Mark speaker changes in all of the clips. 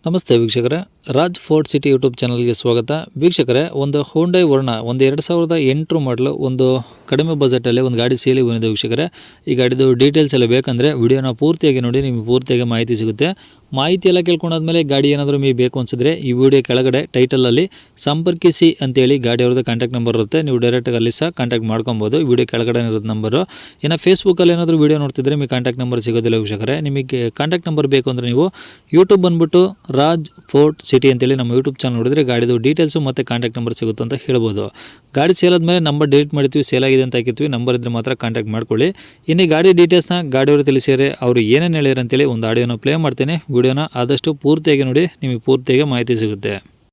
Speaker 1: ನಮಸ್ತೆ ವೀಕ್ಷಕರೇ, Raj fort city YouTube ಚಾನಲ್ಗೆ ಸ್ವಾಗತ. ವೀಕ್ಷಕರೇ, ಒಂದು ಹೋಂಡೈ ವರ್ಣ ಒಂದು 2008 ಮಾಡಲು ಒಂದು ಕಡಿಮೆ ಬಜೆಟಲ್ಲಿ ಒಂದು ಗಾಡಿ ಸೇಲಿ ಬಂದಿದೆ ವೀಕ್ಷಕರೇ. ಈ ಗಾಡಿದು ಡೀಟೇಲ್ಸ್ ಎಲ್ಲ ಬೇಕಂದರೆ ವಿಡಿಯೋನ ಪೂರ್ತಿಯಾಗಿ ನೋಡಿ, ನಿಮಗೆ ಪೂರ್ತಿಯಾಗಿ ಮಾಹಿತಿ ಸಿಗುತ್ತೆ. ಮಾಹಿತಿ ಎಲ್ಲ ಕೇಳ್ಕೊಂಡಾದ್ಮೇಲೆ ಗಾಡಿ ಏನಾದರೂ ನಿಮಗೆ ಬೇಕು ಅನಿಸಿದ್ರೆ ಈ ವಿಡಿಯೋ ಕೆಳಗಡೆ ಟೈಟಲಲ್ಲಿ ಸಂಪರ್ಕಿಸಿ ಅಂತೇಳಿ ಗಾಡಿ ಅವ್ರದ್ದು ಕಾಂಟ್ಯಾಕ್ಟ್ ನಂಬರ್ ಇರುತ್ತೆ. ನೀವು ಡೈರೆಕ್ಟಾಗಿ ಅಲ್ಲಿ ಸಹ ಕಾಂಟ್ಯಾಕ್ಟ್ ಮಾಡ್ಕೊಬೋದು. ಈ ವಿಡಿಯೋ ಕೆಳಗಡೆ ಇರೋದು ನಂಬರು. ಇನ್ನು ಫೇಸ್ಬುಕ್ಕಲ್ಲಿ ಏನಾದರೂ ವಿಡಿಯೋ ನೋಡ್ತಿದ್ರೆ ನಿಮಗೆ ಕಾಂಟ್ಯಾಕ್ಟ್ ನಂಬರ್ ಸಿಗೋದಿಲ್ಲ ವೀಕ್ಷಕರೇ. ನಿಮಗೆ ಕಾಂಟ್ಯಾಕ್ಟ್ ನಂಬರ್ ಬೇಕು ಅಂದರೆ ನೀವು ಯೂಟ್ಯೂಬ್ ಬಂದುಬಿಟ್ಟು ರಾಜ್ ಫೋರ್ಟ್ ಸಿಟಿ ಅಂತೇಳಿ ನಮ್ಮ ಯೂಟ್ಯೂಬ್ ಚಾನಲ್ ನೋಡಿದ್ರೆ ಗಾಡಿದು ಡೀಟೇಲ್ಸು ಮತ್ತು ಕಾಂಟ್ಯಾಕ್ಟ್ ನಂಬರ್ ಸಿಗುತ್ತೆ ಅಂತ ಹೇಳ್ಬೋದು. ಗಾಡಿ ಸೇಲ್ ಆದಮೇಲೆ ನಂಬರ್ ಡಿಲೀಟ್ ಮಾಡ್ತೀವಿ, ಸೇಲ್ ಆಗಿದೆ ಅಂತ ಹಾಕಿರ್ತೀವಿ. ನಂಬರ್ ಇದ್ದರೆ ಮಾತ್ರ ಕಾಂಟ್ಯಾಕ್ಟ್ ಮಾಡ್ಕೊಳ್ಳಿ. ಇನ್ನು ಗಾಡಿ ಡೀಟೇಲ್ಸ್ನ ಗಾಡಿಯವರು ತಿಳಿಸಿದರೆ ಅವರು ಏನೇನು ಹೇಳಿದ್ರು ಅಂತೇಳಿ ಒಂದು ಆಡಿಯೋನ ಪ್ಲೇ ಮಾಡ್ತೇನೆ. ವಿಡಿಯೋನ ಆದಷ್ಟು ಪೂರ್ತಿಯಾಗಿ ನೋಡಿ, ನಿಮಗೆ ಪೂರ್ತಿಯಾಗಿ ಮಾಹಿತಿ ಸಿಗುತ್ತೆ.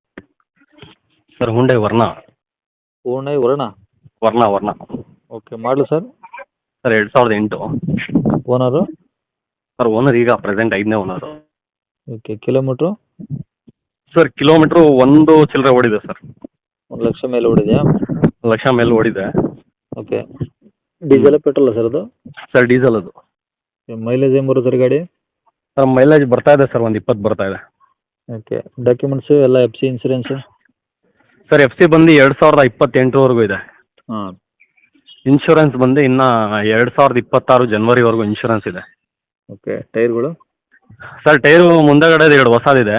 Speaker 2: ಸರ್ ಹುಂಡೈ ವರ್ಣ
Speaker 1: ಹೋಂಡೈ ವರ್ಣ
Speaker 2: ವರ್ಣ
Speaker 1: ಓಕೆ. ಮಾಡಲು ಸರ್
Speaker 2: 2008.
Speaker 1: ಓನರು
Speaker 2: ಸರ್ ಓನರ್ ಈಗ ಪ್ರೆಸೆಂಟ್ 5ನೇ owner.
Speaker 1: Okay. Kilometre
Speaker 2: sir kilometre ಒಂದು ಚಿಲ್ಲರೆ ಓಡಿದೆ ಸರ್.
Speaker 1: 1,00,000 ಮೇಲೆ ಓಡಿದೆಯಾ?
Speaker 2: ಲಕ್ಷ ಮೇಲೆ ಓಡಿದೆ.
Speaker 1: ಓಕೆ. ಡೀಸೆಲ್ ಪೆಟ್ರೋಲ್ ಸರ್ ಅದು?
Speaker 2: ಸರ್ ಡೀಸೆಲ್ ಅದು.
Speaker 1: ಮೈಲೇಜ್ ಏನು ಬರುತ್ತೆ ಸರ್ ಗಾಡಿ?
Speaker 2: ಸರ್ ಮೈಲೇಜ್ ಬರ್ತಾ ಇದೆ ಸರ್, ಒಂದು 20 ಬರ್ತಾ ಇದೆ.
Speaker 1: ಓಕೆ. ಡಾಕ್ಯುಮೆಂಟ್ಸು ಎಲ್ಲ F C insurance?
Speaker 2: Sir F C ಬಂದು 2028ವರೆಗೂ ಇದೆ.
Speaker 1: ಹಾಂ.
Speaker 2: ಇನ್ಶೂರೆನ್ಸ್ ಬಂದು ಇನ್ನು 2026 ಜನವರಿವರೆಗೂ ಇನ್ಶೂರೆನ್ಸ್ ಇದೆ.
Speaker 1: ಓಕೆ. ಟೈರ್ಗಳು?
Speaker 2: ಸರ್ ಟೈರು ಮುಂದೆಗಡೆ 2 ಹೊಸದಿದೆ,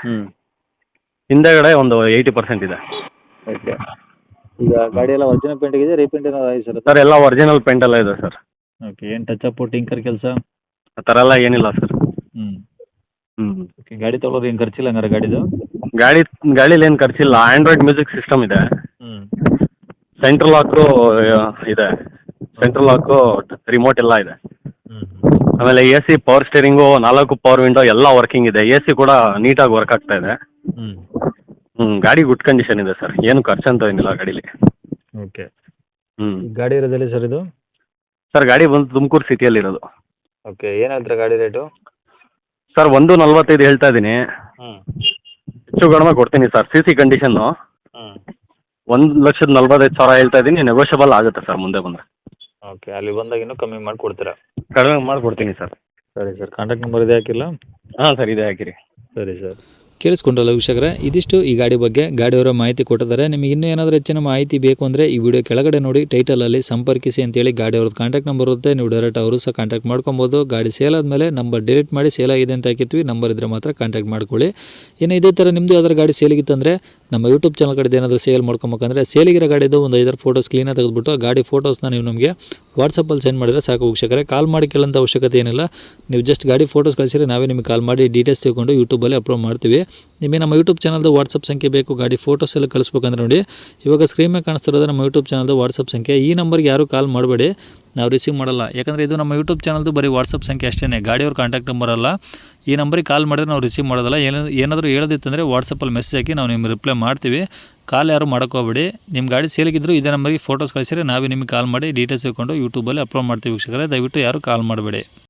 Speaker 2: ಹಿಂದೆಗಡೆ ಒಂದು 80% ಇದೆ.
Speaker 1: ಓಕೆ. ಈಗ ಗಾಡಿ ಎಲ್ಲ ಒರಿಜಿನಲ್ ಪೇಂಟ್ ಇದೆ, ರೀಪೇಂಟ್ ಏನಾದ್ರು ಆಗಿದೆ ಸರ್?
Speaker 2: ಸರ್ ಎಲ್ಲ ಒರಿಜಿನಲ್ ಪೇಂಟ್ ಎಲ್ಲ ಇದೆ ಸರ್.
Speaker 1: ಓಕೆ. ಏನು ಟಚ್ ಅಪ್ ಟಿಂಕರ್ ಕೆಲಸ
Speaker 2: ಆ ಥರ ಎಲ್ಲ ಏನಿಲ್ಲ ಸರ್.
Speaker 1: ಓಕೆ. ಗಾಡಿ ತೊಗೊಳೋದು ಏನು ಖರ್ಚಿಲ್ಲ ಹಂಗಾರೆ ಗಾಡಿದು?
Speaker 2: ಗಾಡೀಲಿ ಏನು ಖರ್ಚಿಲ್ಲ. ಆಂಡ್ರಾಯ್ಡ್ ಮ್ಯೂಸಿಕ್ ಸಿಸ್ಟಮ್ ಇದೆ, ಸೆಂಟ್ರಲ್ ಲಾಕು ಇದೆ, ಸೆಂಟ್ರಲ್ ಲಾಕು ರಿಮೋಟ್ ಎಲ್ಲ ಇದೆ. ಆಮೇಲೆ A C, power steering, 4 power window ಎಲ್ಲ ವರ್ಕಿಂಗ್ ಇದೆ. ಎ ಸಿ ಕೂಡ ನೀಟಾಗಿ ವರ್ಕ್ ಆಗ್ತಾ ಇದೆ. ಗಾಡಿ ಗುಡ್ ಕಂಡೀಷನ್ ಇದೆ ಸರ್, ಏನು ಖರ್ಚಂತ ಏನಿಲ್ಲ ಗಾಡೀಲಿ.
Speaker 1: ಓಕೆ. ಗಾಡಿ ಇರೋದಿಲ್ಲ ಸರ್ ಇದು?
Speaker 2: ಸರ್ ಗಾಡಿ ಬಂದು ತುಮಕೂರು ಸಿಟಿಯಲ್ಲಿರೋದು.
Speaker 1: ಓಕೆ. ಏನು ಹೇಳ್ತೀರಾ ಗಾಡಿ ರೇಟು?
Speaker 2: ಸರ್ 1.45 ಹೇಳ್ತಾ ಇದ್ದೀನಿ. ಹೆಚ್ಚು ಕಡಿಮೆ ಕೊಡ್ತೀನಿ ಸರ್. ಸಿ ಸಿ ಕಂಡೀಷನ್ನು 1,45,000 ಹೇಳ್ತಾ ಇದ್ದೀನಿ. ನೆಗೋಷಿಯಬಲ್ ಆಗುತ್ತೆ ಸರ್ ಮುಂದೆ ಬಂದರೆ.
Speaker 1: ಓಕೆ. ಅಲ್ಲಿ ಬಂದಾಗ ಇನ್ನೂ ಕಮ್ಮಿ ಮಾಡಿ ಕೊಡ್ತೀರಾ?
Speaker 2: ಕಡಿಮೆ ಮಾಡಿಕೊಡ್ತೀನಿ ಸರ್.
Speaker 1: ಸರಿ ಸರ್. ಕಾಂಟ್ಯಾಕ್ಟ್ ನಂಬರ್ ಇದೆ ಹಾಕಿಲ್ಲ?
Speaker 2: ಹಾಂ ಸರ್ ಇದೆ, ಹಾಕಿರಿ.
Speaker 1: ಸರಿ ಸರ್. ಕೇಳಿಸ್ಕೊಂಡ್ರಲ್ಲ ವೀಕ್ಷಕರೇ, ಇದಿಷ್ಟು ಈ ಗಾಡಿ ಬಗ್ಗೆ ಗಾಡಿಯವರ ಮಾಹಿತಿ ಕೊಟ್ಟಿದ್ದಾರೆ. ನಿಮಗೆ ಇನ್ನೂ ಏನಾದರೂ ಹೆಚ್ಚಿನ ಮಾಹಿತಿ ಬೇಕು ಅಂದರೆ ಈ ವಿಡಿಯೋ ಕೆಳಗಡೆ ನೋಡಿ ಟೈಟಲಲ್ಲಿ ಸಂಪರ್ಕಿಸಿ ಅಂತೇಳಿ ಗಾಡಿ ಅವ್ರದ್ದು ಕಾಂಟ್ಯಾಕ್ಟ್ ನಂಬರ್ ಇರುತ್ತೆ. ನೀವು ಡೈರೆಕ್ಟ್ ಅವರು ಸಹ ಕಾಂಟ್ಯಾಕ್ಟ್ ಮಾಡ್ಕೊಬೋದು. ಗಾಡಿ ಸೇಲ್ ಆದಮೇಲೆ ನಂಬರ್ ಡಿಲೀಟ್ ಮಾಡಿ, ಸೇಲ್ ಆಗಿದೆ ಅಂತ ಹಾಕಿರ್ತೀವಿ. ನಂಬರ್ ಇದ್ದರೆ ಮಾತ್ರ ಕಾಂಟ್ಯಾಕ್ಟ್ ಮಾಡ್ಕೊಳ್ಳಿ. ಇನ್ನು ಇದೇ ಥರ ನಿಮ್ಮದು ಯಾವ್ದಾರು ಗಾಡಿ ಸೇಲಿಗಿತ್ತಂದರೆ ನಮ್ಮ ಯೂಟ್ಯೂಬ್ ಚಾನಲ್ ಕಡೆ ಏನಾದರೂ ಸೇಲ್ ಮಾಡ್ಕೊಬೇಕಂದ್ರೆ ಸೇಲಿಗಿರೋ ಗಾಡಿದು ಒಂದು 5 ಫೋಟೋಸ್ ಕ್ಲೀನಾಗಿ ತೆಗೆದುಬಿಟ್ಟು ಗಾಡಿ ಫೋಟೋಸ್ನ ನೀವು ನಮಗೆ ವಾಟ್ಸಪ್ಪಲ್ಲಿ ಸೆಂಡ್ ಮಾಡಿದರೆ ಸಾಕು ವೀಕ್ಷಕರೇ. ಕಾಲ್ ಮಾಡಿ ಕೇಳೋಂಥ ಅವಶ್ಯಕತೆ ಏನಿಲ್ಲ. ನೀವು ಜಸ್ಟ್ ಗಾಡಿ ಫೋಟೋಸ್ ಕಳಿಸಿದ್ರೆ ನಾವೇ ನಿಮಗೆ ಕಾಲ್ ಮಾಡಿ ಡೀಟೇಲ್ಸ್ ತಿಳ್ಕೊಂಡು ಯೂಟ್ಯೂಬಲ್ಲಿ ಅಪ್ಲೋಡ್ ಮಾಡ್ತೀವಿ. ನಿಮಗೆ ನಮ್ಮ ಯೂಟ್ಯೂಬ್ ಚಾನಲ್ದು ವಾಟ್ಸಪ್ ಸಂಖ್ಯೆ ಬೇಕು, ಗಾಡಿ ಫೋಟೋಸ್ ಎಲ್ಲ ಕಳಿಸ್ಬೇಕಂದ್ರೆ ನೋಡಿ ಇವಾಗ ಸ್ಕ್ರೀನ್ ಮೇಲೆ ಕಾಣಿಸ್ತಿರೋದು ನಮ್ಮ ಯೂಟ್ಯೂಬ್ ಚಾನಲ್ದು ವಾಟ್ಸಪ್ ಸಂಖ್ಯೆ. ಈ ನಂಬರ್ಗೆ ಯಾರೂ ಕಾಲ್ ಮಾಡಬೇಡಿ, ನಾವು ರಿಸೀವ್ ಮಾಡಲ್ಲ. ಯಾಕಂದರೆ ಇದು ನಮ್ಮ ಯೂಟ್ಯೂಬ್ ಚಾನಲ್ದು ಬರೀ ವಾಟ್ಸಪ್ ಸಂಖ್ಯೆ ಅಷ್ಟೇ, ಗಾಡಿಯವ್ರ ಕಾಂಟ್ಯಾಕ್ಟ್ ನಂಬರ್ ಅಲ್ಲ. ಈ ನಂಬರಿಗೆ ಕಾಲ್ ಮಾಡಿದ್ರೆ ನಾವು ರಿಸೀವ್ ಮಾಡೋದಲ್ಲ. ಏನಾದರೂ ಹೇಳೋದಿತ್ತಂದರೆ ವಾಟ್ಸಪ್ಪಲ್ಲಿ ಮೆಸೇಜ್ ಹಾಕಿ ನಾವು ನಿಮ್ಗೆ ರಿಪ್ಲೈ ಮಾಡ್ತೀವಿ. ಕಾಲ್ ಯಾರು ಮಾಡೋಕ್ಕೋಗ್ಬೇಡಿ. ನಿಮ್ಮ ಗಾಡಿ ಸೇಲಿಗಿದ್ರು ಇದೇ ನಂಬರಿಗೆ ಫೋಟೋಸ್ ಕಳಿಸಿದ್ರೆ ನಾವೇ ನಿಮಗೆ ಕಾಲ್ ಮಾಡಿ ಡೀಟೇಲ್ಸ್ ತಿಳ್ಕೊಂಡು ಯೂಟ್ಯೂಬಲ್ಲಿ ಅಪ್ಲೋಡ್ ಮಾಡ್ತೀವಿ ವೀಕ್ಷಕರೇ. ದಯವಿಟ್ಟು ಯಾರು ಕಾಲ್ ಮಾಡಬೇಡಿ.